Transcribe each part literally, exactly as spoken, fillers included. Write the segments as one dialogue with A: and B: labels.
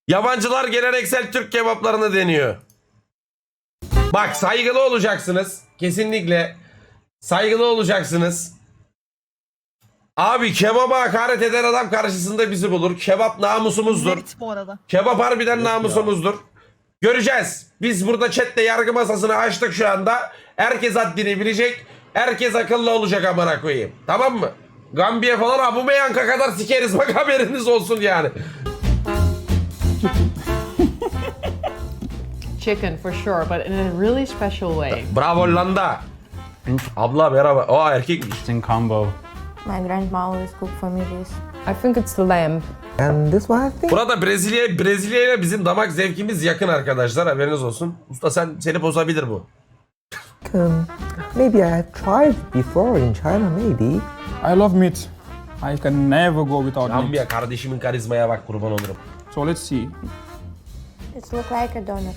A: Yabancılar geleneksel Türk kebaplarını deniyor. Bak saygılı olacaksınız. Kesinlikle saygılı olacaksınız. Abi kebaba hakaret eden adam karşısında bizi bulur. Kebap namusumuzdur.
B: Evet bu arada.
A: Kebap harbiden namusumuzdur. Göreceğiz. Biz burada chatte yargı masasını açtık şu anda. Herkes haddini bilecek. Herkes akıllı olacak amına koyayım. Tamam mı? Gambiya falan Abumeyanka kadar sikeriz. Bak haberiniz olsun yani.
C: Chicken for sure, but in a really special way.
A: Bravo Hollanda. Abla merhaba. O erkekmiş.
D: Interesting combo.
E: My grandma always cook for me this.
C: I think it's lamb.
F: And this one I think.
A: Burada Brezilya Brezilya ile bizim damak zevkimiz yakın arkadaşlar. Haberiniz olsun. Usta sen seni bozabilir bu.
F: Um, maybe I have tried before in China, maybe.
G: I love meat. I can never go without meat.
A: Gambiya kardeşimin karizmaya bak kurban olurum.
G: So let's see.
E: It looks like a donut.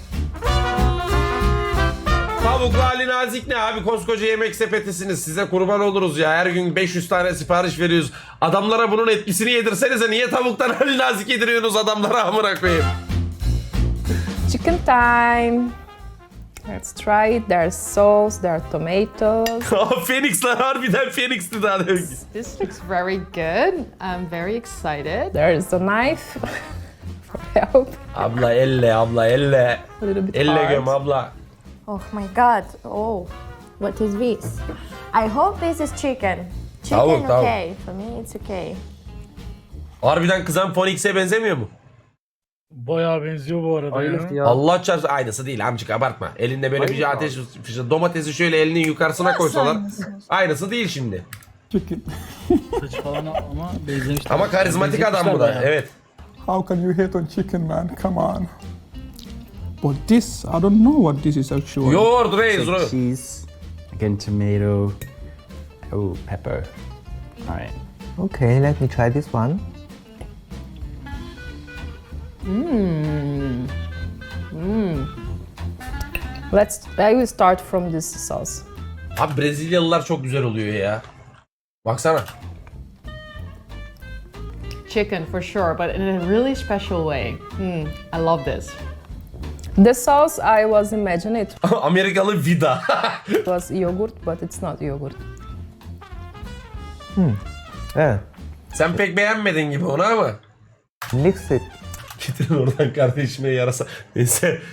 A: Tavuklu Ali Nazik ne abi, koskoca yemek sepetisiniz, size kurban oluruz ya, her gün beş yüz tane sipariş veriyoruz. Adamlara bunun etkisini yedirsenize, niye tavuktan Ali Nazik yediriyorsunuz adamlara amına koyayım.
C: Chicken time. Let's try it. There's sauce, there are tomatoes.
A: Phoenix'ler harbiden Phoenix'ti daha demek.
C: This looks very good. I'm very excited. There's a knife for help.
A: Abla elle abla elle.
C: A little bit
A: Elle
C: hard.
A: göm abla.
E: Oh my god. Oh, what is this? I hope this is chicken. Chicken,
A: Tavuk, tavuk.
E: okay. For me, it's okay.
A: Harbiden kızan Phoenix'e benzemiyor mu?
H: Bayağı benziyor bu arada ya.
A: Allah çarpsın, aynısı değil amcık, abartma. Elinde böyle bir ateş fışı, domatesi şöyle elinin yukarısına koysalar
B: aynısı?
A: aynısı değil şimdi.
G: Chicken.
H: Saç falan ama benzemişler.
A: Ama karizmatik adam bu da,
H: Bayağı.
A: evet.
G: How can you hate on chicken, man? Come on. But this, I don't know what this is actually.
A: Yoğurt reis.
D: Like
A: ro-
D: cheese, again tomato, oh pepper. All right.
F: Okay, let me try this one.
C: Let's. I will start from this sauce.
A: Abi Brezilyalılar çok güzel oluyor ya. Baksana.
C: Chicken for sure, but in a really special way. Hmm, I love this. The sauce I was imagining it
A: Amerikalı vida.
C: was yogurt, but it's not yogurt.
F: Yeah,
A: Sen pek beğenmedin gibi onu ama.
F: mix it.
A: Getirin oradan kardeşime yarasa. Neyse.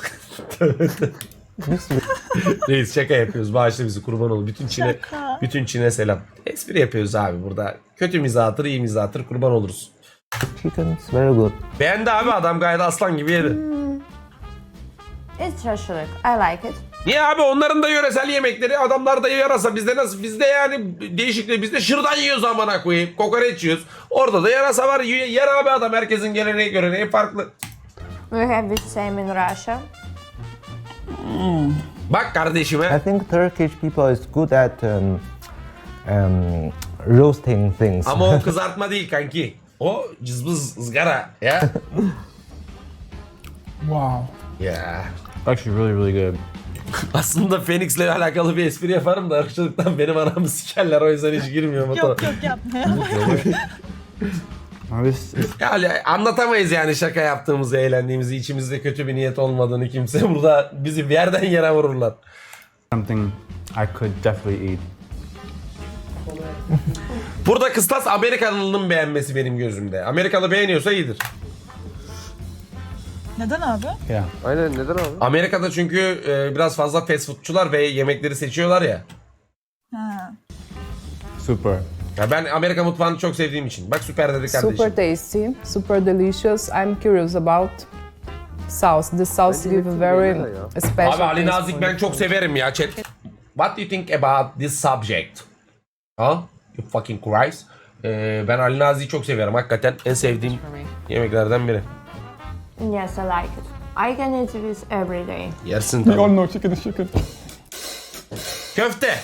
F: Mix it.
A: Reis şaka yapıyoruz. Bağışla bizi, kurban ol. Bütün Çin'e bütün Çin'e selam. Espri yapıyoruz abi burada. Kötü mizahtır, iyi mizahtır, kurban oluruz.
F: Chicken is very good.
A: Beğendi abi adam, gayet aslan gibi yedi.
E: It's şaşılık. I like it.
A: Niye abi, onların da yöresel yemekleri, adamlar da yarasa, bizde nasıl, bizde yani değişikliği, bizde şırdan yiyoruz amına koyayım, kokoreç yiyoruz. Orada da yarasa var, y- yer abi adam, herkesin geleneği göreneği farklı.
E: We have this same in Russia.
A: Bak
F: I
A: kardeşime.
F: think Turkish people is good at um, um, roasting things.
A: Ama o kızartma değil kanki. O cızbız ızgara ya.
G: Wow.
A: Ya.
D: Actually, really, really good.
A: Aslında Phoenix'le alakalı bir espri yaparım da ırkçılıktan benim anamı sikerler, o yüzden hiç girmiyorum o
B: Yok
A: tarafa.
B: yok yapma.
D: Oh, this is
A: Yani anlatamayız yani şaka yaptığımızı, eğlendiğimizi, içimizde kötü bir niyet olmadığını kimse. Burada bizi bir yerden yere vururlar.
D: something I could definitely eat.
A: Burada kıstas Amerikalının beğenmesi benim gözümde. Amerikalı beğeniyorsa iyidir.
B: Neden abi?
D: Yeah.
A: Amerika'da çünkü e, biraz fazla fast foodçular ve yemekleri seçiyorlar ya.
B: Ha.
D: Super.
A: Ya ben Amerika mutfağını çok sevdiğim için. Bak süper dedi kardeşim.
C: Super tasty, super delicious. I'm curious about sauce. The sauce give a very special.
A: Abi Ali
C: taste
A: Nazik
C: for
A: ben
C: the
A: çok
C: food.
A: severim ya chat. What do you think about this subject? Ha? You fucking Christ. Ee, ben Ali Nazik'i çok severim. Hakikaten en sevdiğim
C: For me.
A: yemeklerden biri.
E: Yes, I like it. I can eat this every day.
A: Yersin
G: We all
A: tabii.
G: know chicken is chicken.
A: Köfte.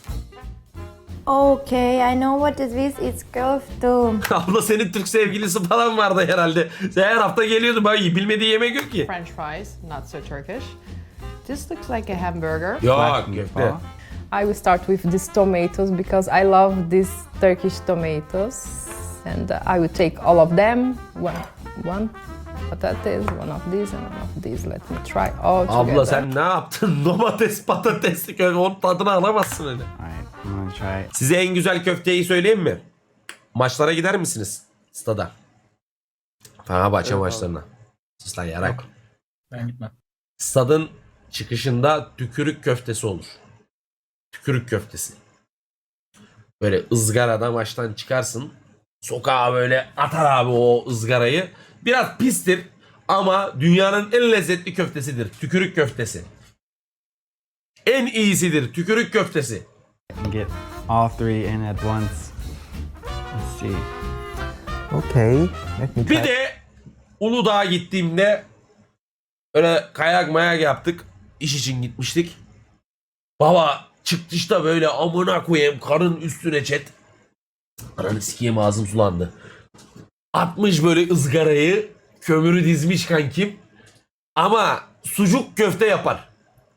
E: Okay, I know what is this. It's köfte.
A: Abla senin Türk sevgilisi falan vardı herhalde. Sen her hafta geliyordu. Bak bilmediği yemek yok ki.
C: French fries, not so Turkish. This looks like a hamburger.
A: Yok
D: Flat
A: köfte.
D: meatball.
C: I will start with these tomatoes because I love these Turkish tomatoes, and uh, I will take all of them. One, one. patates, one of these and one of these. Let me try all together.
A: Abla sen ne yaptın? Domates, patatesli köfte. Onun tadını alamazsın öyle.
D: Alright, I'm gonna try.
A: Size en güzel köfteyi söyleyeyim mi? Maçlara gider misiniz? Stada. Fenerbahçe maçlarına. Sus lan yarak.
H: Ben gitmem.
A: Stadın çıkışında tükürük köftesi olur. Tükürük köftesi. Böyle ızgarada maçtan çıkarsın. Sokağa böyle atar abi o ızgarayı. Biraz pistir ama dünyanın en lezzetli köftesidir. Tükürük köftesi. En iyisidir tükürük köftesi.
D: And get all three in at once. Let's see.
F: Okay, let me try.
A: Bir de Uludağ'a gittiğimde öyle kayak mayak yaptık. İş için gitmiştik. Baba çıktışta böyle amına koyayım karın üstüne çet. Ananı sikeyim ağzım sulandı. Atmış böyle ızgarayı. Kömürü dizmiş kankim. Ama sucuk köfte yapar.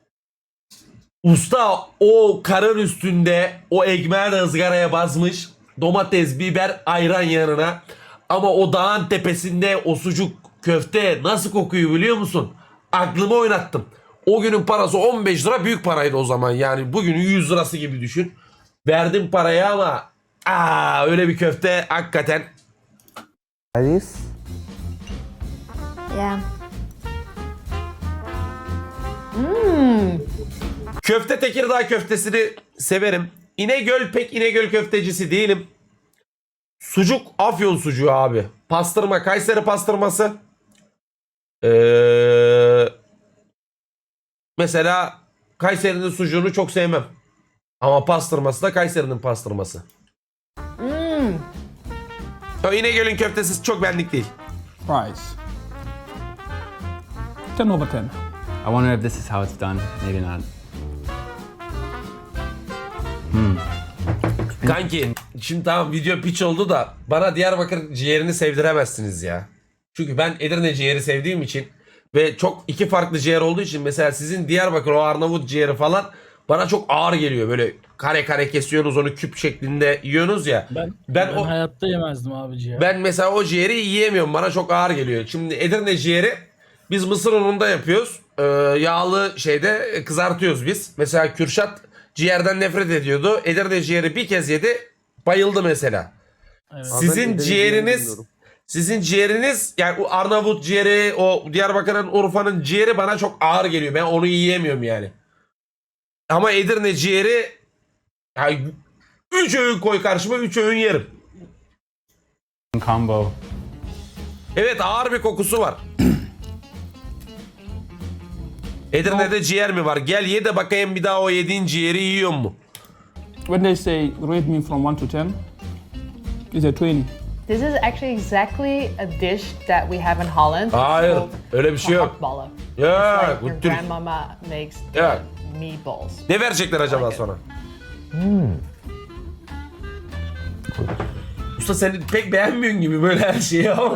A: Usta o karın üstünde o ekmeği de ızgaraya basmış. Domates, biber, ayran yanına. Ama o dağın tepesinde o sucuk köfte nasıl kokuyor biliyor musun? Aklımı oynattım. O günün parası on beş lira, büyük paraydı o zaman. Yani bugünün yüz lirası gibi düşün. Verdim parayı ama aa, öyle bir köfte hakikaten.
F: This.
E: Yeah.
A: Köfte Tekirdağ köftesini severim. İnegöl pek İnegöl köftecisi değilim. Sucuk Afyon sucuğu abi. Pastırma Kayseri pastırması. Ee, mesela Kayseri'nin sucuğunu çok sevmem. Ama pastırması da Kayseri'nin pastırması.
C: Mm.
A: O İnegöl'ün köftesi çok benlik değil.
G: Fries. ten over ten.
D: I wonder if this is how it's done. Maybe not.
A: Kanki şimdi tamam video pitch oldu da bana Diyarbakır ciğerini sevdiremezsiniz ya. Çünkü ben Edirne ciğeri sevdiğim için ve çok iki farklı ciğer olduğu için mesela sizin Diyarbakır o Arnavut ciğeri falan bana çok ağır geliyor. Böyle kare kare kesiyorsunuz onu küp şeklinde yiyorsunuz ya.
H: Ben,
A: Ben
H: ben,
A: o-
H: hayatta yemezdim abici ya.
A: Ben mesela o ciğeri yiyemiyorum. Bana çok ağır geliyor. Şimdi Edirne ciğeri biz mısır ununda yapıyoruz. Ee, yağlı şeyde kızartıyoruz biz. Mesela Kürşat ciğerden nefret ediyordu. Edirne ciğeri bir kez yedi. Bayıldı mesela.
H: Evet.
A: Sizin ciğeriniz sizin ciğeriniz yani o Arnavut ciğeri, o Diyarbakır'ın, Urfa'nın ciğeri bana çok ağır geliyor. Ben onu yiyemiyorum yani. Ama Edirne ciğeri yani üç öğün koy karşıma, üç öğün yerim.
D: Combo.
A: Evet, ağır bir kokusu var. Edirne'de ciğer mi var? Gel ye de bakayım bir daha o yediğin ciğeri yiyor mu?
G: When they say rate me from one to ten, it's a twenty.
C: This is actually exactly a dish that we have in Holland. It's
A: Hayır,
C: called
A: öyle bir şey yok.
C: gehaktballen.
A: Ya,
C: It's like
A: bu
C: your
A: Türk.
C: grandmama makes
A: Ya.
C: meatballs.
A: Ne verecekler acaba sonra? Usta sen pek beğenmiyorsun gibi böyle her şeyi ama.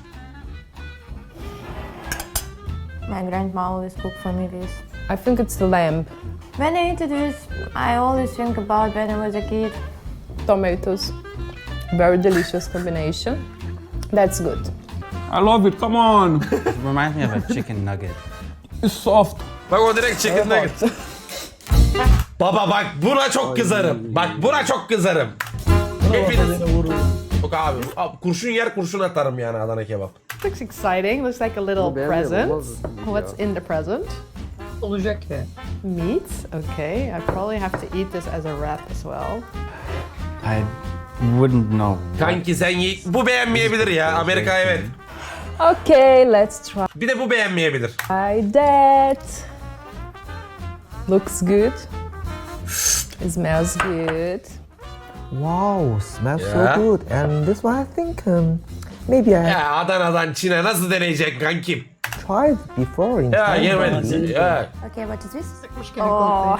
E: My grandma always cook for me this.
C: I think it's the lamb.
E: When I eat this, I always think about when I was a kid.
C: Tomatoes. Very delicious combination. That's good.
G: I love it. Come on.
D: It reminds me of a chicken nugget.
G: It's soft.
A: Bak o direkt chicken nugget. Baba bak buna çok kızarım. Bak buna çok kızarım. Hepiniz... Yok abi, abi kurşun yer kurşun atarım yani Adana kebap.
C: Looks exciting. Looks like a little present. What's in the present?
B: Olacak ya.
C: Meat. Okay. I probably have to eat this as a wrap as well.
D: I wouldn't know.
A: Kanki sen ye... Bu beğenmeyebilir ya. Amerika evet.
C: Okay, let's try
A: Bir de bu beğenmeyebilir.
C: that. Looks good. It smells good.
F: Wow, smells
A: Yeah.
F: so good. And this one, I think um, maybe I have
A: Ya Adana'dan Çin'e nasıl deneyecek kankim?
F: tried before in
A: Ya
F: Thailand.
A: yemedim. Ya.
E: Okay, what is this?
B: gene
E: Oh,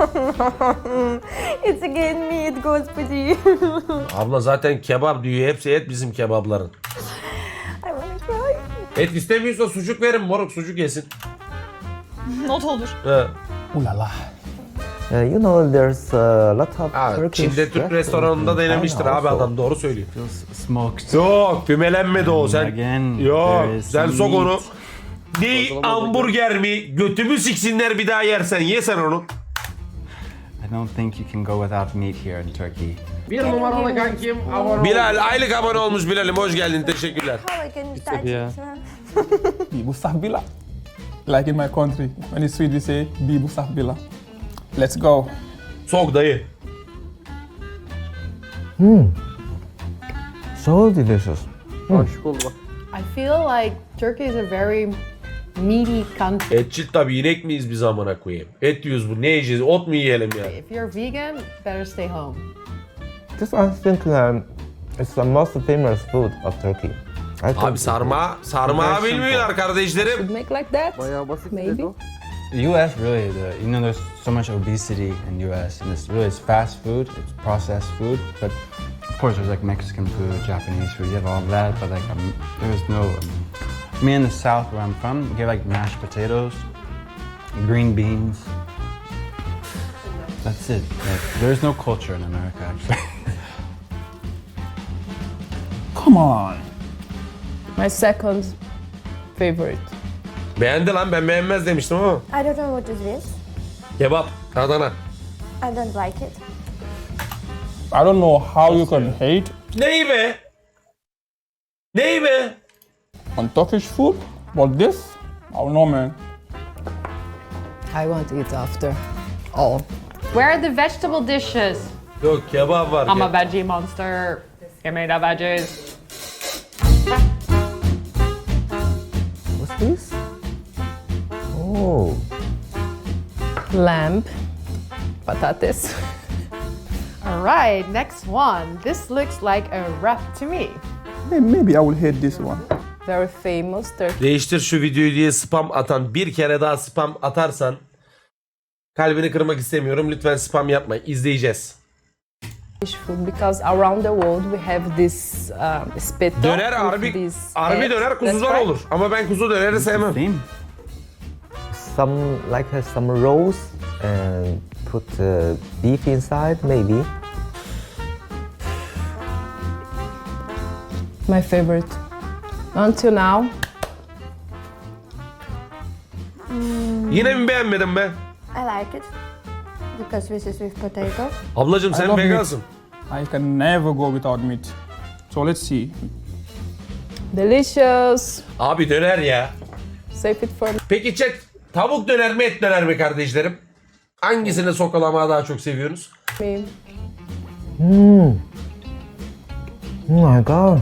E: it's again me. It goes pretty.
A: Abla zaten kebap diyor. Hepsi et bizim kebapların.
E: I wanna cry.
A: Et istemiyorsa sucuk verin moruk, sucuk yesin.
B: Not olur.
A: He.
G: Ooh la la.
F: Uh, you know, there's a lot of
A: Ha,
F: Turkish
A: Çin'de Türk
F: restaurants
A: restoranında
F: in
A: denemiştir
F: China
A: abi
F: also.
A: adam, doğru söylüyor.
D: Feels smoked.
A: Yok, fümelenmedi o sen.
D: Again,
A: Yok,
D: there is
A: sen
D: some
A: sok onu.
D: meat.
A: Ne hamburger mi? Götümü siksinler bir daha yersen. Ye sen onu.
D: I don't think you can go without meat here in Turkey.
A: Bir numaralı kankim abone Bilal, aylık abone olmuş Bilal'im. Hoş geldin, teşekkürler.
E: How I can start
D: yeah.
E: it?
G: Bibu sahbila. Like in my country, when it's sweet we say bibu sahbila. Let's go.
A: Sok dayı.
F: So delicious.
C: I feel like Turkey is a very meaty country.
A: Etçil tabii, inek miyiz biz amına koyayım? Et yiyoruz bu, ne yiyeceğiz? Ot mu yiyelim ya?
C: If you're vegan, better stay home.
F: This I think um, it's the most famous food of Turkey. I
A: Abi
F: think
A: sarma, sarma bilmiyorlar kardeşlerim.
C: Should make like that? Maybe.
D: U S really, the, you know, there's so much obesity in U S, and it's really it's fast food, it's processed food. But of course, there's like Mexican food, Japanese food, you have all of that. But like, um, there's no. Um, me in the South, where I'm from, we get like mashed potatoes, green beans. That's it. Like, there's no culture in America, actually.
G: Come on.
C: My second favorite.
A: Beğendi lan, ben beğenmez demiştim ama.
E: I don't know what is this.
A: Kebap, Adana.
E: I don't like it.
G: I don't know how you can hate
A: Neyi be? Neyi be?
G: on Turkish food, but this, I don't know, man.
C: I want to eat after all. Where are the vegetable dishes?
A: Yok, kebap var.
C: I'm a
A: Ke-
C: veggie monster. Give me the veggies.
F: what's this? Oh,
C: Lamb. Patates. All right, next one. This looks like a wrap to me.
G: May- Maybe I will hate this one.
C: Very famous Turkish
A: Değiştir şu videoyu diye spam atan, bir kere daha spam atarsan kalbini kırmak istemiyorum. Lütfen spam yapma. İzleyeceğiz.
C: food because around the world we have this um, spit
A: Döner
C: with
A: harbi,
C: this
A: harbi
C: egg.
A: döner
C: That's
A: kuzudan
C: right.
A: olur. Ama ben kuzu döneri sevmem.
D: Same.
F: some like uh, some rolls and put uh, beef inside, maybe.
C: My favorite. Until now,
A: Yine mi beğenmedin be?
E: I like it because this is with potato.
A: Ablacım
G: I
A: sen
G: love meat.
A: vegansın.
G: I can never go without meat. So let's see.
C: delicious.
A: Abi döner ya.
C: Save it for
A: Peki chat, tavuk döner mi et döner mi kardeşlerim? Hangisini sokalamağı daha çok seviyorsunuz?
C: me.
F: Oh my god.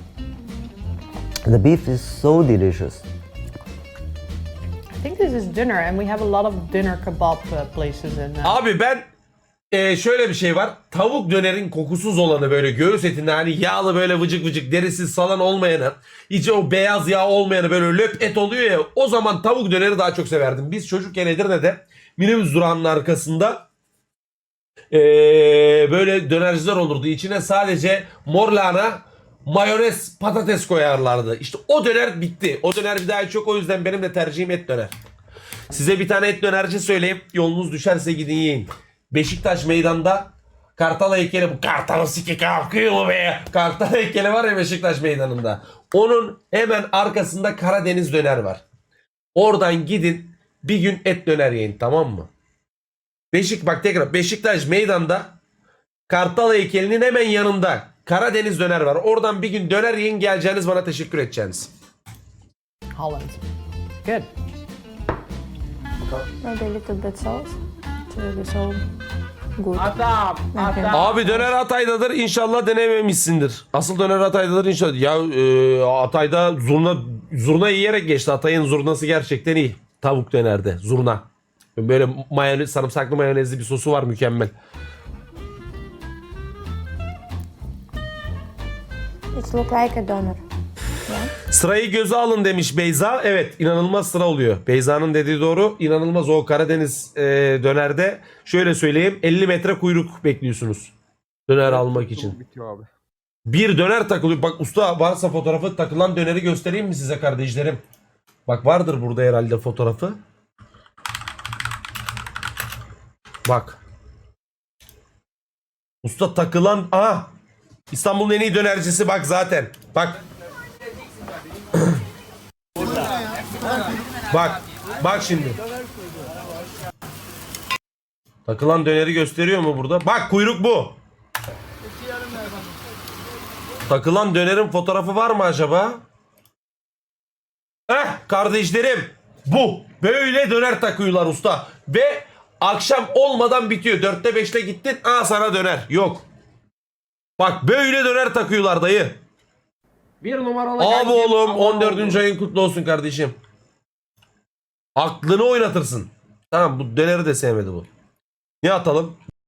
F: The beef is so delicious.
C: I think this is dinner, and we have a lot of dinner kebab uh, places in. Uh,
A: Abi ben e, şöyle bir şey var. Tavuk dönerin kokusuz olanı, böyle göğüs etinde hani yağlı, böyle vıcık vıcık derisiz salan olmayanı, içi o beyaz yağ olmayanı, böyle löp et oluyor ya, o zaman tavuk döneri daha çok severdim. Biz çocukken Edirne'de minibüs durağının arkasında e, böyle dönerciler olurdu. İçine sadece mor lahana, mayonez, patates koyarlardı. İşte o döner bitti. O döner bir daha hiç yok. O yüzden benim de tercihim et döner. Size bir tane et dönerci söyleyeyim. Yolunuz düşerse gidin yiyin. Beşiktaş meydanda Kartal heykeli, bu Kartal siki kalkıyor mu be? Kartal heykeli var ya Beşiktaş meydanında. Onun hemen arkasında Karadeniz döner var. Oradan gidin bir gün et döner yiyin, tamam mı? Beşik bak tekrar Beşiktaş meydanda Kartal heykelinin hemen yanında Karadeniz döner var. Oradan bir gün döner yiyin, geleceğiniz bana teşekkür edeceğiniz.
C: Holland. Good.
E: Maybe a little bit sauce to be so good. Okay.
A: Abi döner Hatay'dadır, inşallah denememişsindir. Asıl döner Hatay'dadır inşallah. Ya e, Hatay'da zurna zurna yiyerek geçti. Hatay'ın zurnası gerçekten iyi. Tavuk dönerde zurna. Böyle mayonez, sarımsaklı mayonezli bir sosu var, mükemmel.
E: It looks like a doner.
A: Sırayı göze alın demiş Beyza. Evet, inanılmaz sıra oluyor. Beyza'nın dediği doğru. İnanılmaz o Karadeniz e, dönerde. Şöyle söyleyeyim, elli metre kuyruk bekliyorsunuz döner almak için. Bir döner takılıyor. Bak usta, varsa fotoğrafı, takılan döneri göstereyim mi size kardeşlerim? Bak vardır burada herhalde fotoğrafı. Bak. Usta takılan... Aha! İstanbul'un en iyi dönercisi bak zaten. Bak. Bak. Bak şimdi. Takılan döneri gösteriyor mu burada? Bak kuyruk bu. Takılan dönerin fotoğrafı var mı acaba? Heh kardeşlerim. Bu. Böyle döner takıyorlar usta. Ve akşam olmadan bitiyor. Dörtte beşte gittin. Aa sana döner. Yok. Bak böyle döner takıyorlar dayı. Bir numaralı. Abi oğlum on dördüncü ayın kutlu olsun kardeşim. Aklını oynatırsın. Tamam bu döneri de sevmedi bu. Ne atalım?